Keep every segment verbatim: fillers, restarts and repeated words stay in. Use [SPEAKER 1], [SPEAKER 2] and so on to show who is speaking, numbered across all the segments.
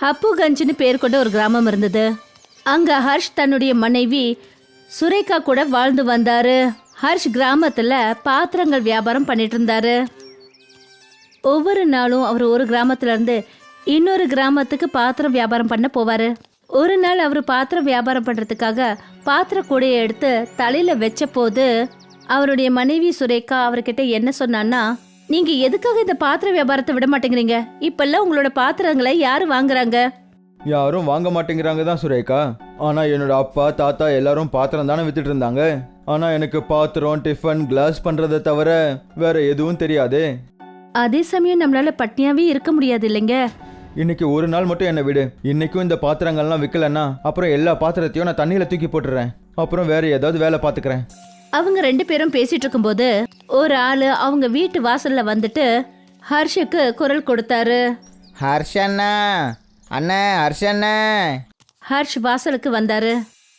[SPEAKER 1] ஹப்புகஞ்சுன்னு பேர் கொண்ட ஒரு கிராமம் இருந்தது. அங்க ஹர்ஷ் தன்னுடைய மனைவி சுரேகா கூட வாழ்ந்து வந்தாரு. ஹர்ஷ் கிராமத்துல பாத்திரங்கள் வியாபாரம் பண்ணிட்டு இருந்தாரு. ஒவ்வொரு நாளும் அவர் ஒரு கிராமத்துல இருந்து இன்னொரு கிராமத்துக்கு பாத்திரம் வியாபாரம் பண்ண போவாரு. ஒரு நாள் அவர் பாத்திரம் வியாபாரம் பண்றதுக்காக பாத்திர கூடையை எடுத்து தலையில வச்ச போது அவருடைய மனைவி சுரேகா அவர்கிட்ட என்ன சொன்னான்னா, நீங்க எதுக்காக இந்த பாத்திர வியாபாரத்தை விட மாட்டேங்கிறீங்க? இப்பெல்லாம் உங்களோட பாத்திரங்களை யாரு வாங்குறாங்க?
[SPEAKER 2] யாரும் வாங்க மாட்டேங்கிறாங்க தான் சுரேகா. ஆனா என்னோட அப்பா தாத்தா எல்லாரும் பாத்திரம் தானே வித்துட்டு இருந்தாங்க. ஆனா எனக்கு பாத்திரம் டிஃபன் கிளாஸ் பண்றதை தவிர வேற எதுவும் தெரியாதே.
[SPEAKER 1] அதே சமயம் நம்மளால பட்னியாவே இருக்க முடியாது இல்லைங்க.
[SPEAKER 2] இன்னைக்கு ஒரு நாள் மட்டும் என்னை விடு. இன்னைக்கும் இந்த பாத்திரங்கள்லாம் விற்கலன்னா அப்புறம் எல்லா பாத்திரத்தையும் நான் தண்ணியில தூக்கி போட்டுறேன். அப்புறம் வேற ஏதாவது வேலை பார்த்துக்கிறேன்.
[SPEAKER 1] அவங்க ரெண்டு பேரும் பேசிட்டு இருக்கும்போது ஒரு ஆளு அவங்க வீட்டு வாசல்ல வந்துட்டு ஹர்ஷுக்கு குரல் கொடுத்தாரு.
[SPEAKER 3] ஹர்ஷண்ணா, அண்ணா ஹர்ஷண்ணா.
[SPEAKER 1] ஹர்ஷ் வாசலுக்கு வந்தாரு.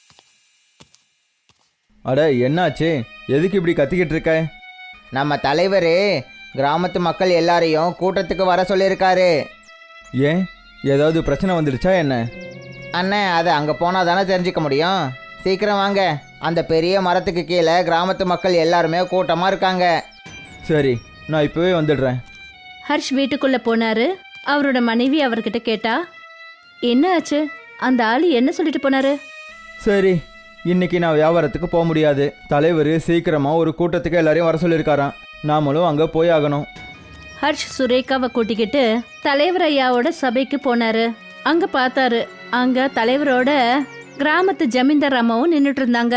[SPEAKER 2] அட என்னாச்சு? எதுக்கு இப்படி கத்திக்கிட்டு இருக்க?
[SPEAKER 3] நம்ம தலைவர் கிராமத்து மக்கள் எல்லாரையும் கூட்டத்துக்கு வர சொல்லியிருக்காரு.
[SPEAKER 2] ஏன், ஏதாவது பிரச்சனை வந்துடுச்சா என்ன?
[SPEAKER 3] அண்ணே, அது அங்கே போனால் தானே தெரிஞ்சுக்க முடியும். சீக்கிரம் வாங்க. அந்த பெரிய மரத்துக்கு கீழே கிராமத்து மக்கள் எல்லாருமே கூட்டமாக இருக்காங்க.
[SPEAKER 2] சரி, நான் இப்போவே வந்துடுறேன்.
[SPEAKER 1] ஹர்ஷ் வீட்டுக்குள்ள போனாரு. அவரோட மனைவி அவர்கிட்ட கேட்டா, என்ன ஆச்சு? அந்த ஆளு என்ன சொல்லிட்டு போனாரு?
[SPEAKER 2] சரி, இன்னைக்கு நான் வியாபாரத்துக்கு போக முடியாது. தலைவர் சீக்கிரமாக ஒரு கூட்டத்துக்கு எல்லாரையும் வர சொல்லியிருக்காராம். நாமளும் அங்கே போய் ஆகணும்.
[SPEAKER 1] ஹர்ஷ் சுரேகாவை கூட்டிக்கிட்டு தலைவர் ஐயாவோட சபைக்கு போனாரு. அங்க பார்த்தாரு, அங்க தலைவரோட கிராமத்து ஜமீன்தார் அம்மாவும் நின்றுட்டு இருந்தாங்க.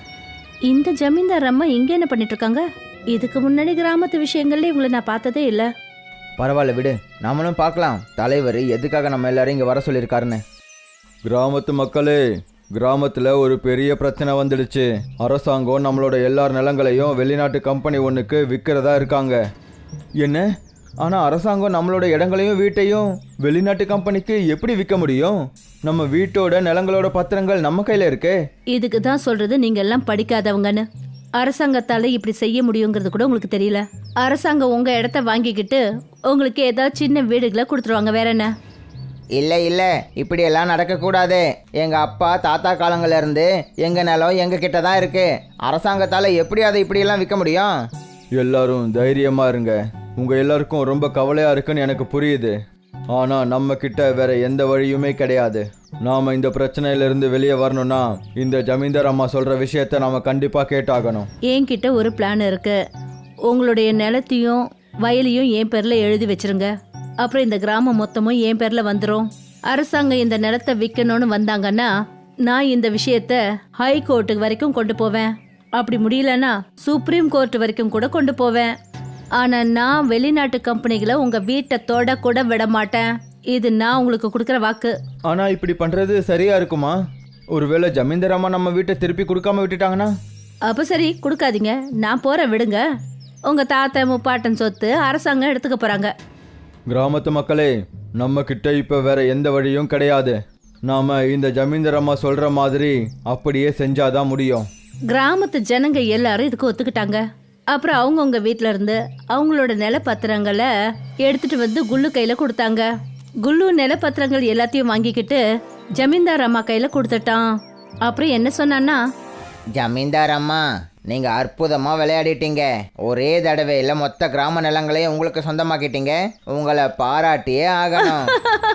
[SPEAKER 1] இந்த ஜமீன்தார் அம்மா இங்க என்ன பண்ணிட்டு இருக்காங்க? இதுக்கு முன்னாடி கிராமத்து விஷயங்கள்ல இவங்களை நான் பார்த்ததே இல்லை.
[SPEAKER 3] பரவாயில்ல விடு, நம்மளும் பார்க்கலாம் தலைவர் எதுக்காக நம்ம எல்லாரும் இங்கே வர சொல்லியிருக்காருன்னு.
[SPEAKER 2] கிராமத்து மக்களே, கிராமத்தில் ஒரு பெரிய பிரச்சனை வந்துடுச்சு. அரசாங்கம் நம்மளோட எல்லார் நிலங்களையும் வெளிநாட்டு கம்பெனி ஒன்றுக்கு விற்கிறதா இருக்காங்க. என்ன? ஆனால் அரசாங்கம் நம்மளோட இடங்களையும் வீட்டையும் வெளிநாட்டு கம்பெனிக்கு எப்படி விற்க முடியும்? நம்ம வீட்டோட நிலங்களோட பத்திரங்கள் நம்ம கையில் இருக்கே.
[SPEAKER 1] இதுக்கு தான் சொல்றது நீங்க எல்லாம் படிக்காதவங்கன்னு. அரசாங்கத்தால இப்படி செய்ய முடியுங்கிறது கூட உங்களுக்கு தெரியல. அரசாங்கம் உங்க இடத்த வாங்கிக்கிட்டு உங்களுக்கு ஏதாவது சின்ன வீடுகளை கொடுத்துருவாங்க, வேற என்ன?
[SPEAKER 3] இல்லை இல்லை, இப்படியெல்லாம் நடக்கக்கூடாது. எங்கள் அப்பா தாத்தா காலங்கள்லேருந்து எங்கள் நிலம் எங்கள் கிட்ட தான் இருக்குது. அரசாங்கத்தால் எப்படி அதை இப்படியெல்லாம் விற்க முடியும்?
[SPEAKER 2] எல்லாரும் தைரியமாக இருங்க. உங்கள் எல்லாருக்கும் ரொம்ப கவலையாக இருக்குன்னு எனக்கு புரியுது. ஆனால் நம்ம கிட்ட வேற எந்த வழியுமே கிடையாது. நாம் இந்த பிரச்சனையிலிருந்து வெளியே வரணும்னா இந்த ஜமீன்தார் அம்மா சொல்கிற விஷயத்த நாம் கண்டிப்பாக கேட்டாகணும்.
[SPEAKER 1] என்கிட்ட ஒரு பிளான் இருக்கு. உங்களுடைய நிலத்தையும் வயலையும் என் பேரில் எழுதி வச்சிருங்க. அப்புறம் இந்த கிராமம் மொத்தமும் என் பேரில் வந்துடும். அரசாங்கம் இந்த நிலத்தை விற்கணும்னு வந்தாங்கன்னா நான் இந்த விஷயத்த ஹை கோர்ட்டுக்கு வரைக்கும் கொண்டு போவேன். அப்படி முடியலன்னா சுப்ரீம் கோர்ட் வரைக்கும் கூட கொண்டு போவேன். ஆனா நான் வெளிநாட்டு கம்பெனிகளை உங்க வீட்டை தொட கூட விட மாட்டேன். இது நான் உங்களுக்கு கொடுக்குற வாக்கு.
[SPEAKER 2] ஆனா இப்படி பண்றது சரியா இருக்குமா? ஒருவேளை ஜமீன்தார் அம்மா நம்ம வீட்டை திருப்பி கொடுக்காம விட்டுட்டாங்கன்னா?
[SPEAKER 1] அப்ப சரி, கொடுக்காதீங்க, நான் போற விடுங்க. உங்க தாத்தா முப்பாட்டன் சொத்து அரசாங்கம் எடுத்துக்க போறாங்க.
[SPEAKER 2] கிராமத்து மக்களே, நம்ம கிட்ட இப்ப வேற எந்த வழியும் கிடையாது. நாம இந்த ஜமீன்தார் அம்மா சொல்ற மாதிரி அப்படியே செஞ்சாதான் முடியும்.
[SPEAKER 1] கிராமத்து ஜனங்க எல்லாரும் இதுக்கு ஒத்துக்கிட்டாங்க. அப்புறம் அவங்கவுங்க வீட்டில இருந்து அவங்களோட நிலப்பத்திரங்களை எடுத்துட்டு வந்து குல்லு கையில கொடுத்தாங்க. குல்லு நிலப்பத்திரங்கள் எல்லாத்தையும் வாங்கிக்கிட்டு ஜமீன்தார் அம்மா கையில கொடுத்துட்டான். அப்புறம் என்ன சொன்னான்னா,
[SPEAKER 3] ஜமீன்தார் அம்மா, நீங்க அற்புதமா விளையாடிட்டீங்க. ஒரே தடவையில் மொத்த கிராம நிலங்களையும் உங்களுக்கு சொந்தமாக்கிட்டீங்க. உங்களை பாராட்டியே ஆகணும்.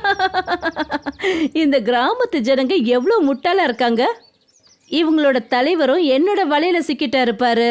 [SPEAKER 1] இந்த கிராமத்து ஜனங்க எவ்வளவு முட்டாளா இருக்காங்க. இவங்களோட தலைவரும் என்னோட வலையில சிக்கிட்டா இருப்பாரு.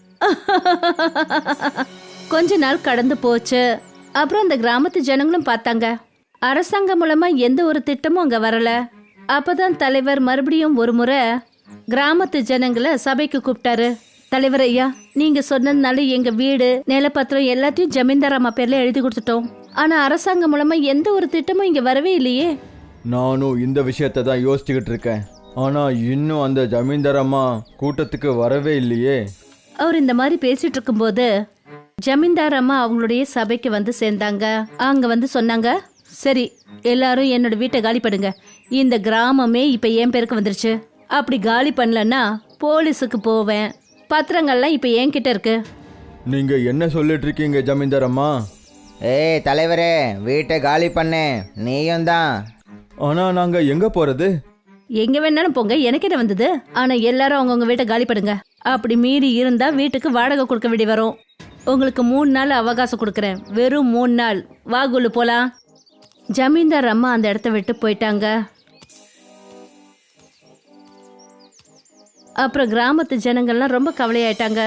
[SPEAKER 1] கொஞ்ச நாள் கடந்து போச்சு. அப்புறம் அந்த கிராமத்து ஜனங்களும் பார்த்தாங்க, அரசாங்கம் மூலமா எந்த ஒரு திட்டமும் அங்க வரல. அப்பதான் தலைவர் மறுபடியும் ஒரு முறை கிராமத்து ஜனங்களை சபைக்கு கூப்பிட்டாரு. தலைவர் ஐயா, நீங்க சொன்னதுனால எங்க வீடு நிலப்பத்திரம் எல்லாத்தையும் ஜமீன்தார் அம்மா பேர்ல எழுதி கொடுத்துட்டோம். ஆனா அரசாங்கம் மூலமா எந்த ஒரு திட்டமும் இங்க வரவே இல்லையே.
[SPEAKER 2] நானும் இந்த விஷயத்தை தான் யோசிச்சுக்கிட்டு இருக்கேன். ஆனா இன்னும் அந்த ஜமீன்தார் அம்மா கூட்டத்துக்கு வரவே இல்லையே.
[SPEAKER 1] அவர் இந்த மாதிரி பேசிட்டு இருக்கும்போது ஜமீன்தார் அம்மா அவங்களுடைய சபைக்கு வந்து சேர்ந்தாங்க. அங்க வந்து சொன்னாங்க, சரி எல்லாரும் என்னோட வீட்டை காலி பண்ணுங்க. இந்த கிராமமே இப்ப என் பேருக்கு வந்துருச்சு. அப்படி காலி பண்ணலன்னா போலீஸுக்கு போவேன். பத்திரங்கள்லாம் இப்ப என்கிட்ட இருக்கு.
[SPEAKER 2] நீங்க என்ன சொல்லிட்டு இருக்கீங்க ஜமீன்தார் அம்மா?
[SPEAKER 3] ஏய் தலைவரே, வீட்டை காலி பண்ணு. நீயும் தான்.
[SPEAKER 2] ஆனா நாங்க எங்க போறது?
[SPEAKER 1] எங்க வேணாலும் போங்க, எனக்கு என்ன வந்தது. ஆனா எல்லாரும் அவங்கவுங்க வீட்டை காலி பண்ணுங்க. அப்படி மீறி இருந்தா வீட்டுக்கு வாடகை கொடுக்க வேண்டி வரும். உங்களுக்கு மூணு நாள் அவகாசம் கொடுக்குறேன், வெறும் மூணு நாள். வா குல்லு போலாம். ஜமீன்தார் அம்மா அந்த இடத்த விட்டு போயிட்டாங்க. அப்புறம் கிராமத்து ஜனங்கள்லாம் ரொம்ப கவலையாயிட்டாங்க.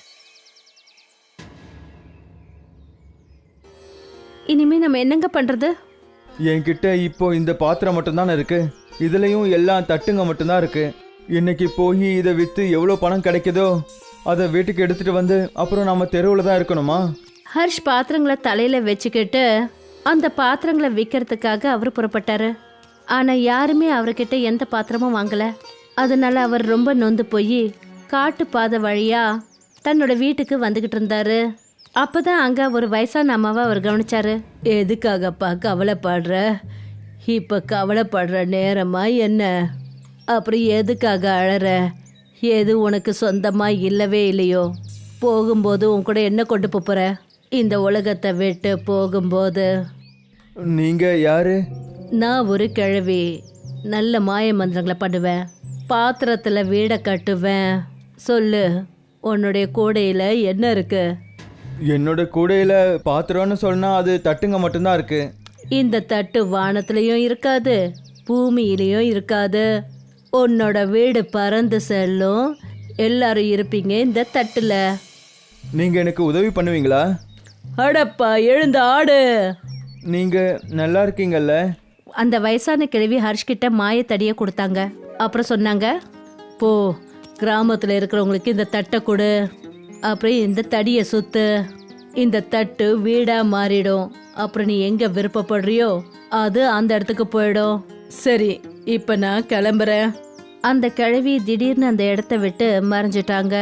[SPEAKER 1] இனிமே நம்ம என்னங்க பண்றது?
[SPEAKER 2] என்கிட்ட இப்போ இந்த பாத்திரம் மட்டும்தானே இருக்கு. இதுலயும் எல்லாம் தட்டுங்க மட்டும்தான் இருக்கு. இன்னைக்கு போய் இதை வித்து எவ்வளோ பணம் கிடைக்குதோ அதை வீட்டுக்கு எடுத்துட்டு வந்து அப்புறம் நம்ம தெருவில் தான் இருக்கணுமா?
[SPEAKER 1] ஹர்ஷ் பாத்திரங்களை தலையில வச்சுக்கிட்டு அந்த பாத்திரங்களை விற்கிறதுக்காக அவர் புறப்பட்டாரு. ஆனா யாருமே அவர்கிட்ட எந்த பாத்திரமும் வாங்கல. அதனால அவர் ரொம்ப நொந்து போய் காட்டு பாதை வழியா தன்னோட வீட்டுக்கு வந்துகிட்டு இருந்தாரு. அப்பதான் அங்க ஒரு வயசான அம்மாவை அவர் கவனிச்சாரு. எதுக்காகப்பா கவலைப்படுற? இப்ப கவலைப்படுற நேரமா என்ன? அப்புறம் எதுக்காக அழற? எது உனக்கு சொந்தமா இல்லவே இல்லையோ? போகும்போது உன் கூட என்ன கொண்டு போற? இந்த உலகத்தை விட்டு போகும்போது.
[SPEAKER 2] நீங்க யாரு?
[SPEAKER 1] நான் ஒரு கிழவி. நல்ல மாய மந்திரங்களை பண்ணுவேன், பாத்திரத்துல வீடை கட்டுவேன். சொல்லு, உன்னுடைய கூடையில என்ன இருக்கு?
[SPEAKER 2] என்னோட கூடையில பாத்திரம்னு சொன்னா அது தட்டுங்க மட்டும்தான் இருக்கு.
[SPEAKER 1] இந்த தட்டு வானத்திலையும் இருக்காது, பூமியிலையும் இருக்காது. உன்னோட வீடு பறந்து செல்லும். எல்லாரும் இருப்பீங்க இந்த தட்டுல.
[SPEAKER 2] நீங்க எனக்கு உதவி பண்ணுவீங்களா?
[SPEAKER 1] அடப்பா, எழுந்து ஆடு.
[SPEAKER 2] நீங்க நல்லா இருக்கீங்கல்ல?
[SPEAKER 1] அந்த வயசான கிழவி ஹர்ஷ்கிட்ட மாயத்தடியை கொடுத்தாங்க. அப்புறம் சொன்னாங்க, போ, கிராமத்துல இருக்கிறவங்களுக்கு இந்த தட்டை கொடு. அப்புறம் இந்த தடியை சுத்து. இந்த தட்டு வீடா மாறிடும். அப்புறம் நீ எங்க விருப்பப்படுறியோ அது அந்த இடத்துக்கு போயிடும். சரி, இப்ப நான் கிளம்புறேன். அந்த கிழவி திடீர்னு அந்த இடத்த விட்டு மறைஞ்சிட்டாங்க.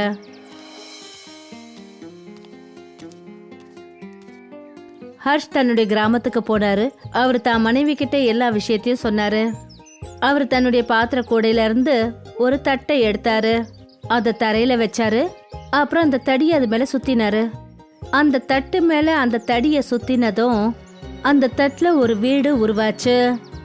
[SPEAKER 1] ஹர்ஷ் தன்னுடைய கிராமத்துக்கு போனாரு. அவர் தான் மனைவி கிட்ட எல்லா விஷயத்தையும் சொன்னாரு. அவர் தன்னுடைய பாத்திர கூடையில இருந்து ஒரு தட்டை எடுத்தாரு. அத தரையில வச்சாரு. அப்புறம் அந்த தடியை அது மேல சுத்தினாரு. அந்த தட்டு மேல அந்த தடியை சுத்தினதும் அந்த தட்டுல ஒரு வீடு உருவாச்சு.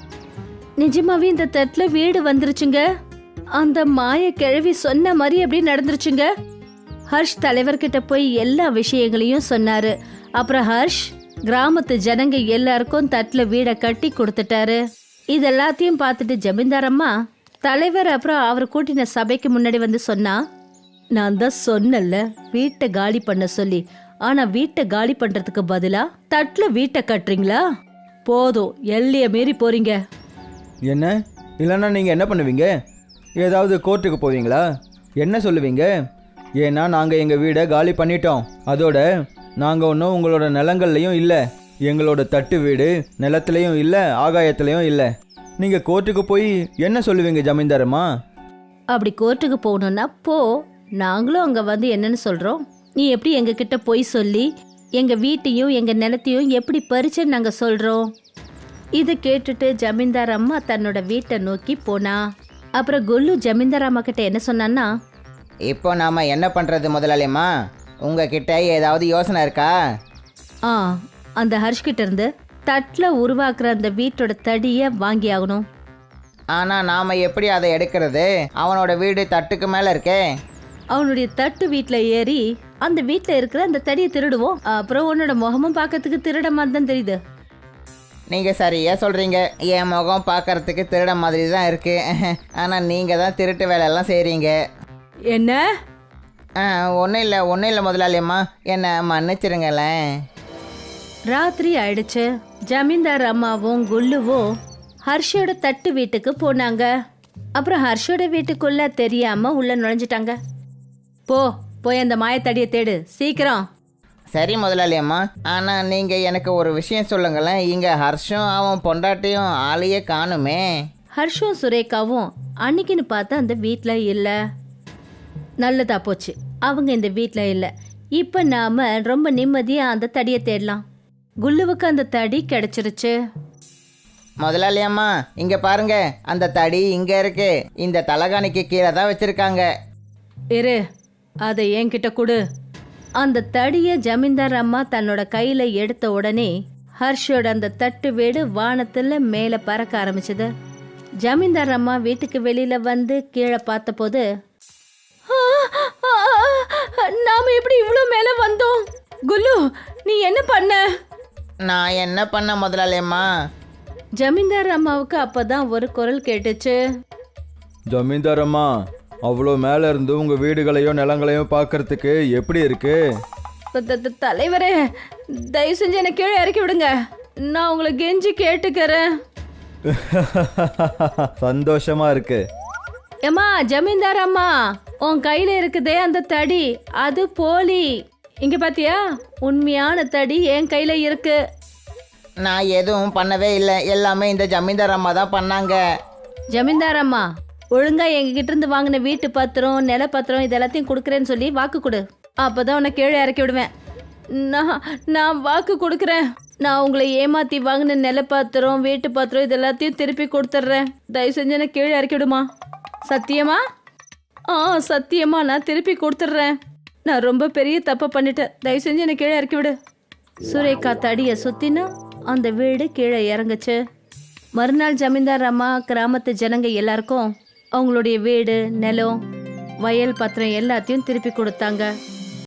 [SPEAKER 1] நிஜமாவே இந்த தட்டுல வீடு வந்துருச்சுங்க. அந்த மாய கிழவி சொன்ன மாதிரி அப்படி நடந்துருச்சுங்க. ஹர்ஷ் தலைவர்கிட்ட போய் எல்லா விஷயங்களையும் சொன்னாரு. அப்புறம் ஹர்ஷ் கிராமத்து ஜனங்க எல்லாருக்கும் தட்டுல வீடை கட்டி கொடுத்துட்டாரு. இதெல்லாத்தையும் பார்த்துட்டு ஜமீன்தார் அம்மா தலைவர் அப்புறம் அவர் கூட்டின சபைக்கு முன்னாடி வந்து சொன்னா, நான் தான் சொன்னல வீட்டை காலி பண்ண சொல்லி. ஆனா வீட்டை காலி பண்றதுக்கு பதிலா தட்டுல வீட்டை கட்டுறீங்களா? போதும், எல்லைய மீறி போறீங்க.
[SPEAKER 2] என்ன? இல்லைன்னா நீங்கள் என்ன பண்ணுவீங்க? ஏதாவது கோர்ட்டுக்கு போவீங்களா? என்ன சொல்லுவீங்க? ஏன்னா நாங்கள் எங்கள் வீடை காலி பண்ணிட்டோம். அதோட நாங்கள் ஒன்றும் உங்களோட நிலங்கள்லையும் இல்லை. எங்களோட தட்டு வீடு நிலத்துலையும் இல்லை, ஆகாயத்துலையும் இல்லை. நீங்கள் கோர்ட்டுக்கு போய் என்ன சொல்லுவீங்க ஜமீன்தாரம்மா?
[SPEAKER 1] அப்படி கோர்ட்டுக்கு போகணும்னா போ, நாங்களும் அங்க வந்து என்னன்னு சொல்றோம். நீ எப்படி எங்க கிட்ட போய் சொல்லி எங்க வீட்டையும் எங்க நிலத்தையும் எப்படி பறிச்சுன்னு நாங்க சொல்றோம். இதை கேட்டுட்டு ஜமீன்தார் அம்மா தன்னோட வீட்டை நோக்கி போனா. அப்புறம் குல்லு ஜமீன்தார் அம்மா கிட்ட என்ன சொன்னான்னா,
[SPEAKER 3] இப்போ நாம என்ன பண்றது முதலாளியம்மா? உங்ககிட்ட ஏதாவது யோசனை இருக்கா?
[SPEAKER 1] ஆ அந்த ஹர்ஷ் கிட்ட இருந்து தட்டுல உருவாக்குற அந்த வீட்டோட தடியை வாங்கி ஆகணும்.
[SPEAKER 3] ஆனால் நாம் எப்படி அதை எடுக்கிறது? அவனோட வீடு தட்டுக்கு மேலே இருக்கே.
[SPEAKER 1] அவனுடைய தட்டு வீட்டில் ஏறி அந்த வீட்டில் இருக்கிற அந்த தடியை திருடுவோம். அப்புறம் உன்னோட முகமும் பார்க்கறதுக்கு திருட மாதிரி தான் தெரியுது.
[SPEAKER 3] நீங்கள் சரியா சொல்கிறீங்க. என் முகம் பார்க்கறதுக்கு திருட மாதிரி தான் இருக்குது. ஆனால் நீங்கள் தான் திருட்டு வேலையெல்லாம் செய்கிறீங்க.
[SPEAKER 1] என்ன?
[SPEAKER 3] ஆ ஒன்றும் இல்லை ஒன்றும் இல்லை முதலாளியம்மா, என்னை மன்னிச்சிருங்களேன்.
[SPEAKER 1] ராத்திரி ஆயிடுச்சு. ஜமீன்தார் அம்மாவும் குல்லுவும் ஹர்ஷோட தட்டு வீட்டுக்கு போனாங்க. அப்புறம் ஹர்ஷோட வீட்டுக்குள்ள தெரியாம உள்ள நுழைஞ்சிட்டாங்க. போ, போய் அந்த மாயத்தடியை தேடு சீக்கிரம்.
[SPEAKER 3] சரி முதலாளியம்மா, ஆனால் நீங்கள் எனக்கு ஒரு விஷயம் சொல்லுங்களேன். இங்கே ஹர்ஷும் அவன் பொண்டாட்டியும் ஆளையே காணுமே.
[SPEAKER 1] ஹர்ஷும் சுரேகாவும் அன்னைக்குன்னு பார்த்து அந்த வீட்டில் இல்லை. நல்லதா போச்சு, அவங்க இந்த வீட்டில் இல்லை. இப்போ நாம ரொம்ப நிம்மதியாக அந்த தடியை தேடலாம். குல்லுவுக்கு அந்த தடி கிடைச்சிருச்சு.
[SPEAKER 3] முதலாளியம்மா இங்கே பாருங்க, அந்த தடி இங்கே இருக்கு. இந்த தலகாணிக்கு கீழே தான் வச்சுருக்காங்க.
[SPEAKER 1] இரு, அதை என்கிட்ட கொடு. அந்த தடியை ஜமீன்தார் அம்மா தன்னோட கையில் எடுத்த உடனே ஹர்ஷோட அந்த தட்டு வீடு வானத்துல மேல பறக்க ஆரம்பிச்சது. ஜமீன்தார் அம்மா வீட்டுக்கு வெளியில வந்து கீழே பார்த்தபோது, "ஆ, ஆ, நாம எப்படி இவ்வளோ மேல வந்தோம்? குல்லு, நீ என்ன பண்ண?"
[SPEAKER 3] நான் என்ன பண்ண முதலாளியம்மா?
[SPEAKER 1] ஜமீன்தார் அம்மாவுக்கு அப்பதான் ஒரு குரல் கேட்டுச்சு.
[SPEAKER 2] ஜமீன்தார் அம்மா, அவ்வளோ மேலே இருந்து உங்கள் வீடுகளையும் நிலங்களையும் பார்க்கறதுக்கு எப்படி இருக்கு?
[SPEAKER 1] த- த- த- தலைவரே, தயவு செஞ்சு என்னை கீழே இறக்கி விடுங்க. நான் உங்களை கெஞ்சி கேட்டுக்கிறேன்.
[SPEAKER 2] சந்தோஷமா இருக்கு.
[SPEAKER 1] ஏம்மா ஜமீன்தார் அம்மா, உன் கையில இருக்குதே அந்த தடி, அது போலி. இங்க பாத்தியா, உண்மையான தடி என் கையில இருக்கு.
[SPEAKER 3] நான் எதுவும் பண்ணவே இல்லை, எல்லாமே இந்த ஜமீன்தார் அம்மா தான் பண்ணாங்க.
[SPEAKER 1] ஜமீன்தார் அம்மா, ஒழுங்கா எங்ககிட்ட இருந்து வாங்கின வீட்டு பத்திரம், நில பத்திரம் இது எல்லாத்தையும் கொடுக்குறேன்னு சொல்லி வாக்கு கொடு. அப்பதான் உன்னை கீழே இறக்கி விடுவேன். நான் நான் வாக்கு கொடுக்குறேன். நான் உங்களை ஏமாத்தி வாங்கின நில பத்திரம், வீட்டு பத்திரம் இது எல்லாத்தையும் திருப்பி கொடுத்துட்றேன். தயவு செஞ்சு என்னை கீழே இறக்கி விடுமா. சத்தியமா? ஆ சத்தியமா, நான் திருப்பி கொடுத்துட்றேன். நான் ரொம்ப பெரிய தப்பு பண்ணிட்டேன். தயவு செஞ்சு என்னை கீழே இறக்கி விடு. சுரேகா தடியை சுத்தினா அந்த வீடு கீழே இறங்குச்சு. மறுநாள் ஜமீன்தார் அம்மா கிராமத்து ஜனங்க எல்லாருக்கும் அவங்களுடைய வீடு, நிலம், வயல் பத்திரம் எல்லாத்தையும் திருப்பி கொடுத்தாங்க.